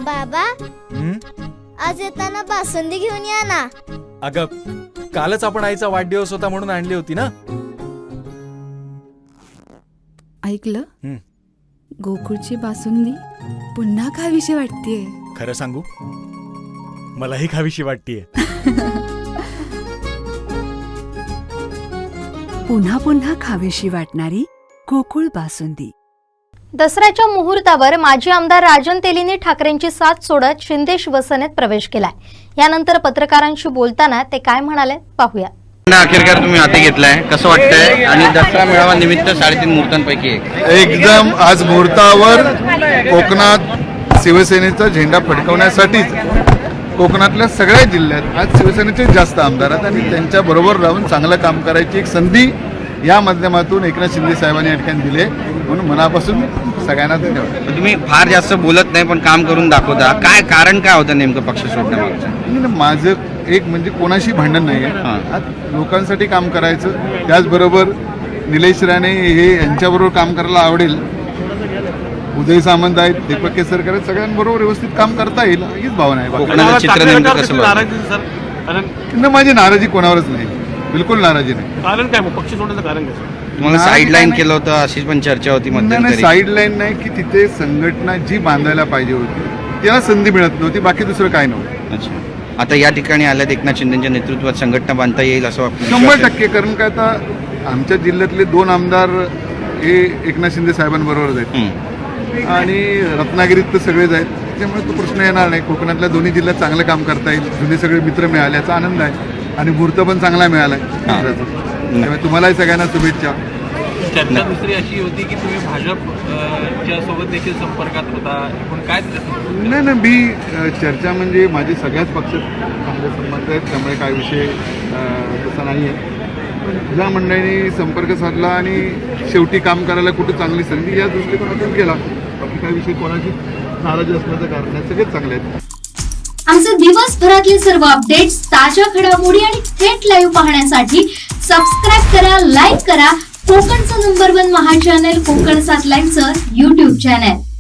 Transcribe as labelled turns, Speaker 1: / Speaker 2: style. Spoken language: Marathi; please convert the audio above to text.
Speaker 1: बाबा आज येताना बासुंदी घेऊन या ना.
Speaker 2: अगं कालच आपण आईचा वाढदिवस होता म्हणून आणली होती ना.
Speaker 3: ऐकलं, गोकुळची बासुंदी पुन्हा खावीशी वाटतेय.
Speaker 2: खरं सांगू, मलाही खावीशी वाटतेय.
Speaker 3: पुन्हा पुन्हा खावीशी वाटणारी गोकुळ बासुंदी.
Speaker 4: दसऱ्याच्या मुहूर्तावर माजी आमदार राजन तेलीने ठाकरेंची साथ सोडत शिंदे शिवसेनेत प्रवेश केलाय. यानंतर पत्रकारांशी बोलताना ते काय म्हणाले पाहूया.
Speaker 5: अखेरकार तुम्ही हाती घेतलाय, कसं वाटतंय? आणि दसरा मेळावा निमित्त 3.5 मुहूर्तांपैकी
Speaker 6: एकदम आज मुहूर्तावर कोकणात शिवसेनेचा झेंडा फडकवण्यासाठीच कोकणातल्या सगळ्या जिल्ह्यात आज शिवसेनेचे जास्त आमदार आहेत आणि त्यांच्या बरोबर राहून चांगलं काम करायची एक संधी या माध्यमातून एकनाथ शिंदे साहेबांनी या ठिकाणी दिले, म्हणून मनापासून सगळ्यांना धन्यवाद.
Speaker 5: तुम्ही फार जास्त बोलत नाही पण काम करून दाखवता, काय कारण काय होतं नेमकं पक्ष सोडण्यामागचं?
Speaker 6: माझं एक म्हणजे कोणाशी भांडण नाही आहे, आज लोकांसाठी काम करायचं. त्याचबरोबर निलेश राणे हे यांच्याबरोबर काम करायला आवडेल. उदय सामंत आहेत, दीपक केसरकर आहेत, सगळ्यांबरोबर व्यवस्थित काम करता येईल हीच भावना आहे.
Speaker 5: कोकणाचं चित्र नेमकं कसं बघता?
Speaker 6: माझी नाराजी कोणावरच नाही, बिलकुल नाराजी नाही.
Speaker 7: कारण काय मग पक्ष सोडण्याचं कारण काय?
Speaker 5: तुम्हाला साईडलाईन केलं होतं अशी पण चर्चा होती मध्यंतरी.
Speaker 6: साईडलाईन नाही की तिथे संघटना जी बांधायला पाहिजे होती त्याला संधी मिळत नव्हती, बाकी दुसरं काय नव्हतं.
Speaker 5: अच्छा, आता या ठिकाणी आल्यात एकनाथ शिंदेच्या नेतृत्वात संघटना बांधता येईल असं वाटतं?
Speaker 6: 100%. कारण काय, आता आमच्या जिल्ह्यातले 2 आमदार हे एकनाथ शिंदे साहेबांबरोबरच आहेत आणि रत्नागिरीत तर सगळेच आहेत, त्यामुळे तो प्रश्न येणार नाही. कोकणातल्या दोन्ही जिल्ह्यात चांगलं काम करता येईल. जुने सगळे मित्र मिळाल्याचा आनंद आहे आणि मुहूर्त पण चांगला मिळाला आहे. त्यामुळे तुम्हालाही सगळ्यांना शुभेच्छा.
Speaker 7: चर्चा दुसरी अशी होती की तुम्ही भाजपच्या सोबत देखील संपर्कात होता, पण काय?
Speaker 6: नाही, मी चर्चा म्हणजे माझे सगळ्याच पक्षात चांगले संबंध आहेत, त्यामुळे काय विषय तसा नाही आहे. ज्या मंडळींनी संपर्क साधला आणि शेवटी काम करायला कुठे चांगली संधी या दृष्टिकोनातून गेला, बाकी काय विषय कोणाची नाराजी असण्याचं कारण नाही, सगळेच चांगले आहेत.
Speaker 8: आमचे दिवसभरातले सर्व अपडेट्स, ताज्या घडामोडी आणि थेट लाईव्ह पाहण्यासाठी सबस्क्राईब करा, लाईक करा कोकणचं नंबर 1 महा चॅनल कोकण 7 लाईव्हचं YouTube चॅनल.